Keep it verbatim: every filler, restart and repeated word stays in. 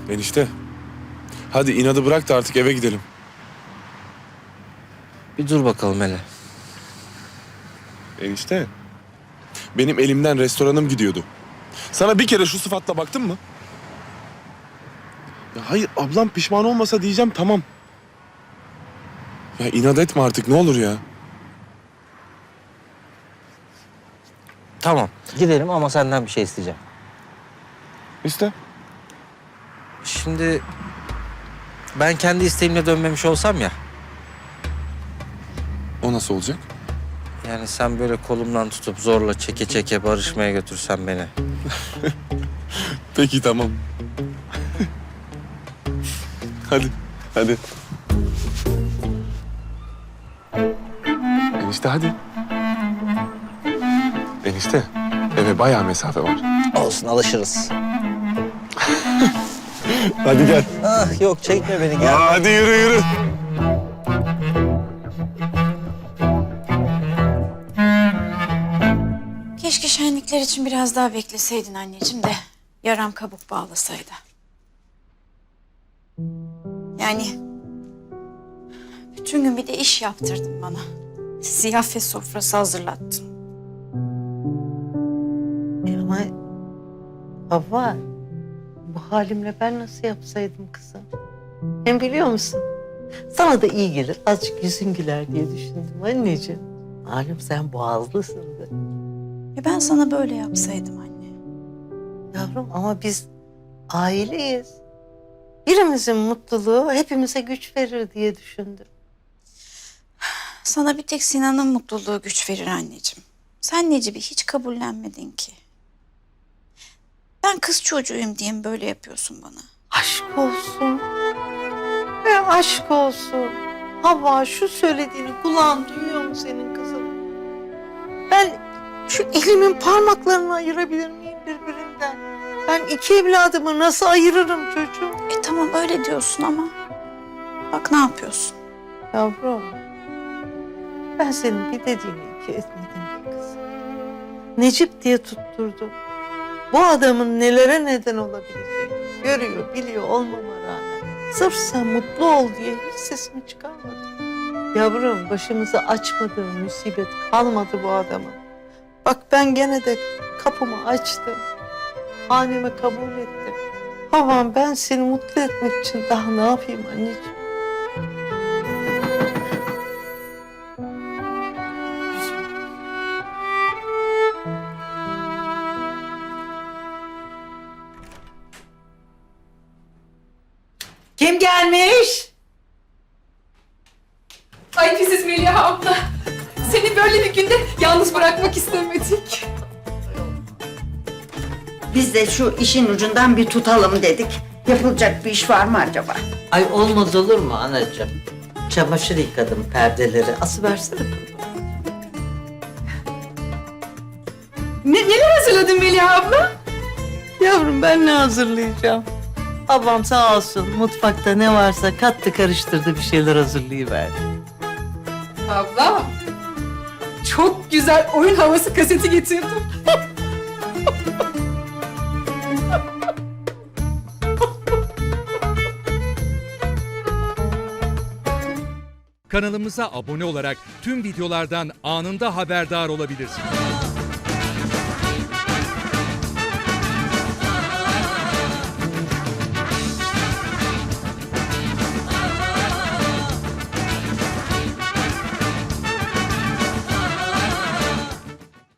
Enişte. Hadi inadı bırak da artık eve gidelim. Bir dur bakalım hele. Enişte. Benim elimden restoranım gidiyordu. Sana bir kere şu sıfatla baktın mı? Ya hayır, ablam pişman olmasa diyeceğim, tamam. Ya inat etme artık, ne olur ya. Tamam gidelim ama senden bir şey isteyeceğim. İşte. Şimdi ben kendi isteğimle dönmemiş olsam ya. O nasıl olacak? Yani sen böyle kolumdan tutup zorla çeke çeke barışmaya götürsen beni. Peki tamam. Hadi, hadi. Enişte hadi. Enişte, eve bayağı mesafe var. Olsun alışırız. Hadi gel. Ah yok çekme beni gel. Hadi yürü yürü. Keşke şenlikler için biraz daha bekleseydin anneciğim de yaram kabuk bağlasaydı. Yani bütün gün bir de iş yaptırdın bana. Ziyafet sofrası hazırlattın. E ama Havva, bu halimle ben nasıl yapsaydım kızım? Hem biliyor musun? Sana da iyi gelir, azıcık yüzün güler diye düşündüm anneciğim. Malum sen boğazlısındır. E ben sana böyle yapsaydım anne. Yavrum ama biz aileyiz. Birimizin mutluluğu hepimize güç verir diye düşündüm. Sana bir tek Sinan'ın mutluluğu güç verir anneciğim. Sen Necip'i hiç kabullenmedin ki. Ben kız çocuğuyum diye mi böyle yapıyorsun bana? Aşk olsun. E aşk olsun. Havva şu söylediğini kulağın duyuyor mu senin kızım? Ben şu elimin parmaklarını ayırabilir miyim birbirinden? Ben iki evladımı nasıl ayırırım çocuğum? E tamam öyle diyorsun ama bak ne yapıyorsun? Yavrum, ben senin bir dediğini iki etmedim ki kızım. Necip diye tutturdum. Bu adamın nelere neden olabileceğini görüyor, biliyor olmama rağmen. Sırf sen mutlu ol diye hiç sesimi çıkarmadım. Yavrum, başımıza açmadığı musibet kalmadı bu adamın. Bak ben gene de kapımı açtım. Haneme kabul ettim. Havam, ben seni mutlu etmek için daha ne yapayım anneciğim? Kim gelmiş? Ay pisiz Meliha abla. Seni böyle bir günde yalnız bırakmak istemedik. Biz de şu işin ucundan bir tutalım dedik. Yapılacak bir iş var mı acaba? Ay olmaz olur mu anacığım? Çamaşır yıkadım, perdeleri. Asıversene. Ne, neler hazırladın Meliha abla? Yavrum ben ne hazırlayacağım? Babam sağ olsun mutfakta ne varsa kattı karıştırdı bir şeyler hazırlayıverdi. Abla. Çok güzel oyun havası kaseti getirdim. Kanalımıza abone olarak tüm videolardan anında haberdar olabilirsiniz.